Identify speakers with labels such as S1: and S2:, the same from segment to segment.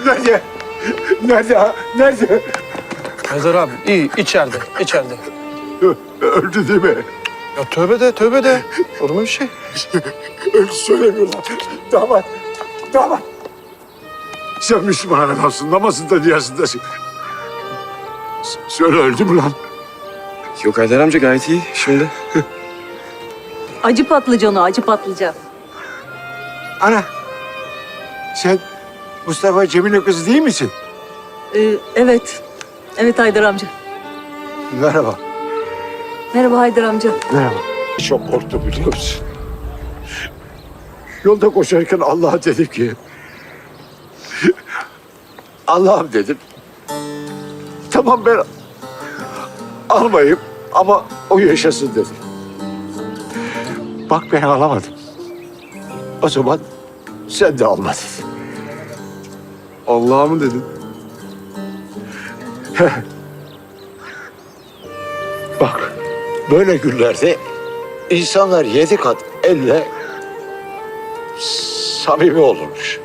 S1: Nerede? Nerede ha? Nerede?
S2: Haydar abi iyi içeride.
S1: Öldü değil mi?
S2: Ya tövbe de. Olur mu bir şey?
S1: Öldü söylemiyorlar. Damat. Sen Müslüman adamsın, namazında niyazındasın. Söyle öldü mü lan?
S3: Yok Haydar amca gayet iyi şimdi.
S4: Acı patlıcan o, acı patlıcan.
S1: Ana, sen Mustafa Cemil'in kızı değil misin?
S4: Evet. Evet Haydar amca.
S1: Merhaba.
S4: Merhaba Haydar amca.
S1: Merhaba. Çok korktum biliyor musun? Yolda koşarken Allah'a dedim ki... Allah'ım dedim. Tamam ben almayayım ama o yaşasın dedim. Bak ben alamadım. O zaman sen de alma dedim.
S3: Allah'a mı dedin?
S1: Bak böyle günlerde insanlar 7 kat elle samimi olurmuş.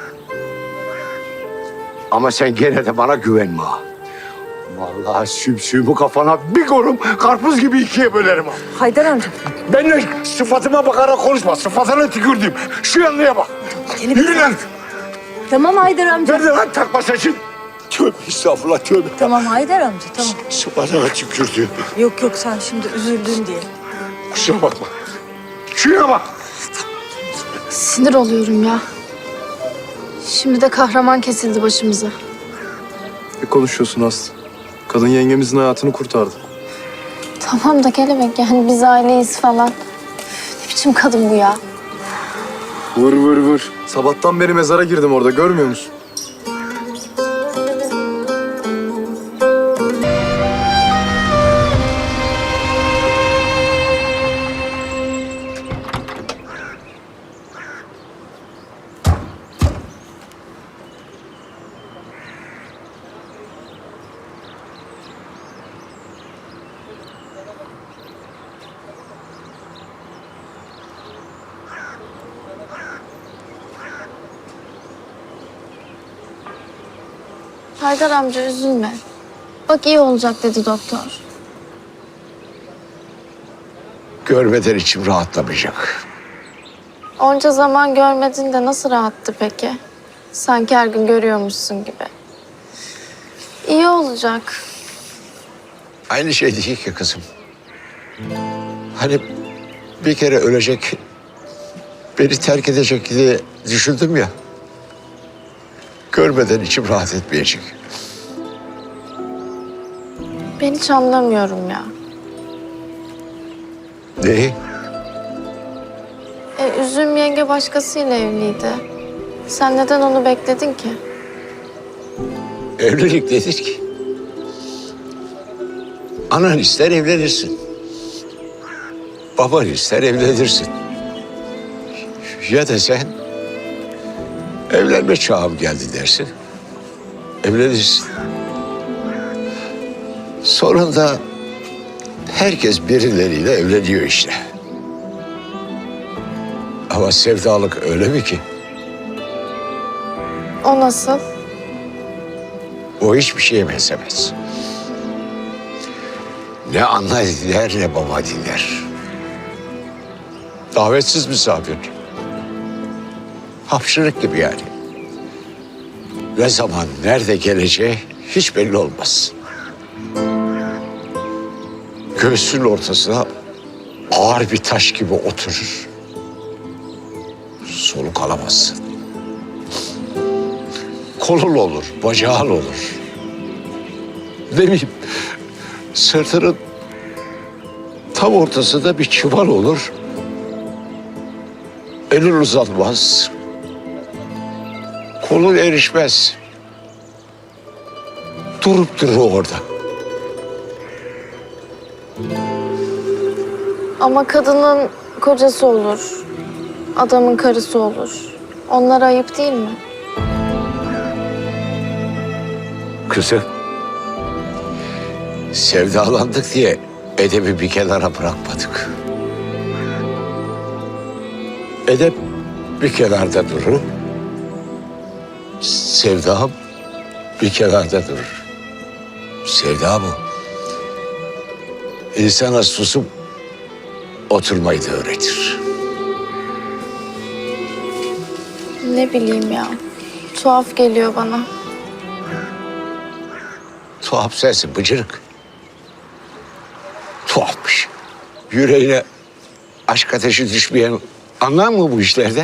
S1: Ama sen gene de bana güvenme ha. Vallahi sümsüğümü kafana bir korum, karpuz gibi ikiye bölerim ha.
S4: Haydar amca.
S1: Benimle sıfatıma bakarak konuşma, sıfatına tükürdüm. Şu yanlıya bak. Yürü lan.
S4: Tamam Haydar amca.
S1: Nerede lan takma saçın? Tövbe estağfurullah tövbe.
S4: Tamam Haydar amca, tamam.
S1: Sıfatına tükürdü.
S4: Yok sen şimdi üzüldün diye.
S1: Kusura bakma. Şuraya bak.
S5: Sinir oluyorum ya. Şimdi de kahraman kesildi başımıza.
S3: Ne konuşuyorsun Aslı? Kadın yengemizin hayatını kurtardı.
S5: Tamam da kelebek yani biz aileyiz falan. Ne biçim kadın bu ya?
S3: Vır. Sabahtan beri mezara girdim orada görmüyor musun?
S5: Haydar amca üzülme. Bak iyi olacak dedi doktor.
S1: Görmeden içim rahatlamayacak.
S5: Onca zaman görmedin de nasıl rahattı peki? Sanki her gün görüyormuşsun gibi. İyi olacak.
S1: Aynı şey değil ki kızım. Hani bir kere ölecek, beni terk edecek diye düşündüm ya. Görmeden içim rahat etmeyecek.
S5: Ben hiç anlamıyorum ya.
S1: Neyi?
S5: Üzüm yenge başkasıyla evliydi. Sen neden onu bekledin ki?
S1: Evlilik nedir ki? Anan ister evlenirsin. Baban ister evlenirsin. Ya da sen evlenme çağım geldi dersin. Evlenirsin. Sonunda herkes birileriyle evleniyor işte. Ama sevdalık öyle mi ki?
S5: O nasıl?
S1: O hiçbir şeye benzemez. Ne ana dinler ne baba dinler. Davetsiz misafir. Hapşırık gibi yani. Ne zaman, nerede geleceği hiç belli olmaz. Göğsünün ortasına ağır bir taş gibi oturur. Soluk alamazsın. Kolun olur, bacağın olur. Ne bileyim, sırtının tam ortasında bir çuval olur. Elin uzanmaz. Kolun erişmez. Durup durur orada.
S5: Ama kadının kocası olur. Adamın karısı olur. Onlar ayıp değil mi?
S1: Kızım, sevdalandık diye edebi bir kenara bırakmadık. Edep bir kenarda durur. Sevdam bir kenarda durur. Sevda bu. İnsana susup oturmayı da öğretir.
S5: Ne bileyim ya. Tuhaf geliyor bana.
S1: Tuhaf sensin bıcırık. Tuhafmış. Yüreğine aşk ateşi düşmeyen anlar mı bu işlerden?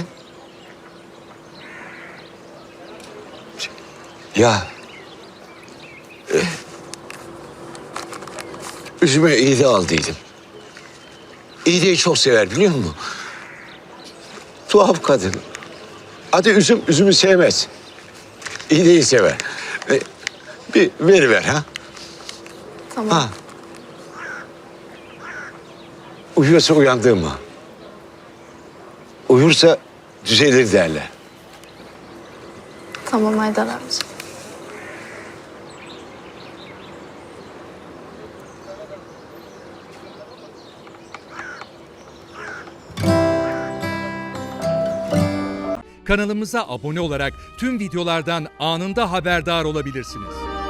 S1: Ya... üzüme iğde aldıydım. İğdeyi çok sever biliyor musun? Tuhaf kadın. Adı üzüm, üzümü sevmez. İğdeyi sever. Bir veriver ha.
S5: Tamam.
S1: Ha. Uyuyorsa uyandırma. Uyursa düzelir derler.
S5: Tamam Haydar amca.
S6: Kanalımıza abone olarak tüm videolardan anında haberdar olabilirsiniz.